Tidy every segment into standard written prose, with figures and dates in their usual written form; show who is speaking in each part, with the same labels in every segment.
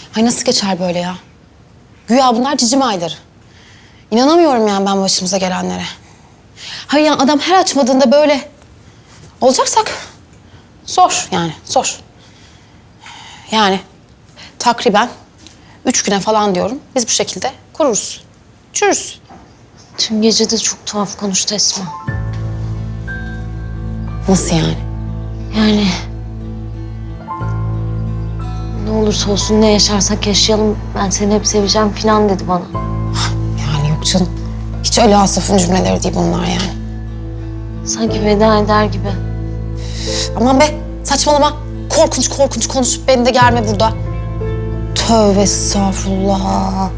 Speaker 1: Ay nasıl geçer böyle ya? Güya bunlar cicim ayları. İnanamıyorum yani ben başımıza gelenlere. Hayır yani adam her açmadığında böyle olacaksak zor yani zor. Yani takriben 3 güne falan diyorum biz bu şekilde kururuz. Çürürüz.
Speaker 2: Tüm gece de çok tuhaf konuştu Esma.
Speaker 1: Nasıl yani?
Speaker 2: Yani ne olursa olsun ne yaşarsak yaşayalım ben seni hep seveceğim falan dedi bana.
Speaker 1: Yani yok canım. Hiç öyle Asaf'ın cümleleri değil bunlar yani.
Speaker 2: Sanki veda eder gibi.
Speaker 1: Aman be saçmalama. Korkunç korkunç konuşup beni de germe burada. Tövbe estağfurullah.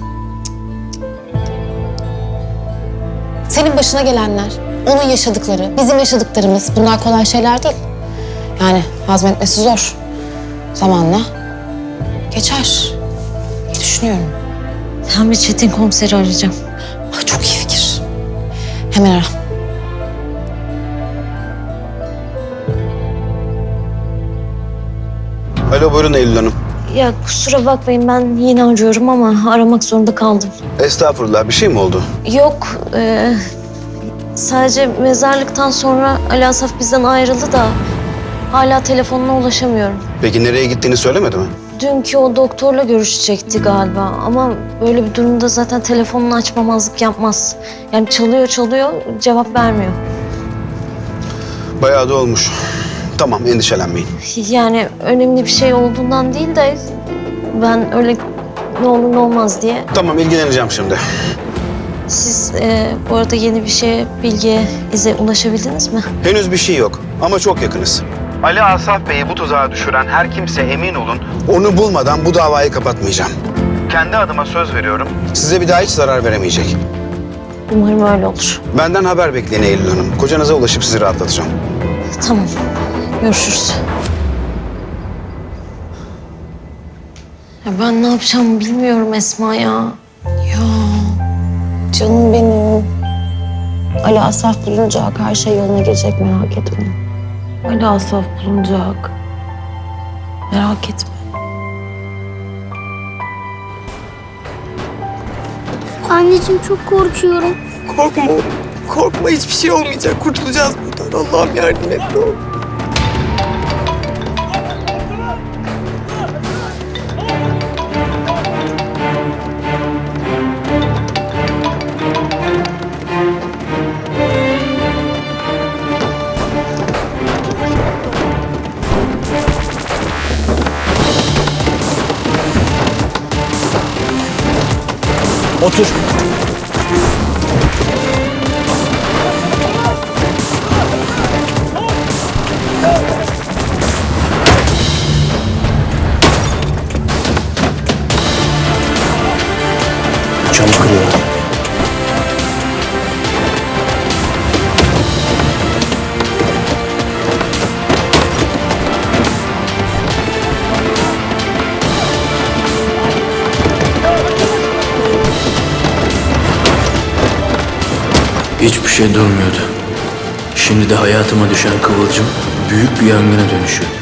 Speaker 1: Senin başına gelenler, onun yaşadıkları, bizim yaşadıklarımız bunlar kolay şeyler değil. Yani hazmetmesi zor. Zamanla geçer diye düşünüyorum.
Speaker 2: Ben bir Çetin komiseri arayacağım.
Speaker 1: Ah, çok iyi fikir. Hemen ara.
Speaker 3: Alo buyurun Eylül Hanım.
Speaker 2: Ya kusura bakmayın ben yine arıyorum ama aramak zorunda kaldım.
Speaker 3: Estağfurullah bir şey mi oldu?
Speaker 2: Yok sadece mezarlıktan sonra Ali Asaf bizden ayrıldı da hala telefonuna ulaşamıyorum.
Speaker 3: Peki nereye gittiğini söylemedi mi?
Speaker 2: Dünkü o doktorla görüşecekti galiba ama böyle bir durumda zaten telefonunu açmamazlık yapmaz. Yani çalıyor cevap vermiyor.
Speaker 3: Bayağı da olmuş. Tamam endişelenmeyin.
Speaker 2: Yani önemli bir şey olduğundan değil de ben öyle ne olur ne olmaz diye.
Speaker 3: Tamam ilgileneceğim şimdi.
Speaker 2: Siz bu arada yeni bir şeye, bilgiye, ize ulaşabildiniz mi?
Speaker 3: Henüz bir şey yok ama çok yakınız. Ali Asaf Bey'i bu tuzağa düşüren her kimse emin olun onu bulmadan bu davayı kapatmayacağım. Kendi adıma söz veriyorum. Size bir daha hiç zarar veremeyecek.
Speaker 2: Umarım öyle olur.
Speaker 3: Benden haber bekleyin Eylül Hanım. Kocanıza ulaşıp sizi rahatlatacağım.
Speaker 2: Tamam. Görüşürüz. Ya ben ne yapacağımı bilmiyorum Esma ya.
Speaker 1: Ya canım benim. Ali Asaf bulunacak, her şey yoluna girecek merak etme. Ali Asaf bulunacak. Merak etme.
Speaker 4: Anneciğim çok korkuyorum.
Speaker 5: Korkma oğlum. Korkma hiçbir şey olmayacak. Kurtulacağız buradan. Allah'ım yardım et ne olur.
Speaker 6: Otur. Camı kırıyorlar. Hiçbir şey durmuyordu. Şimdi de hayatıma düşen kıvılcım büyük bir yangına dönüşüyor.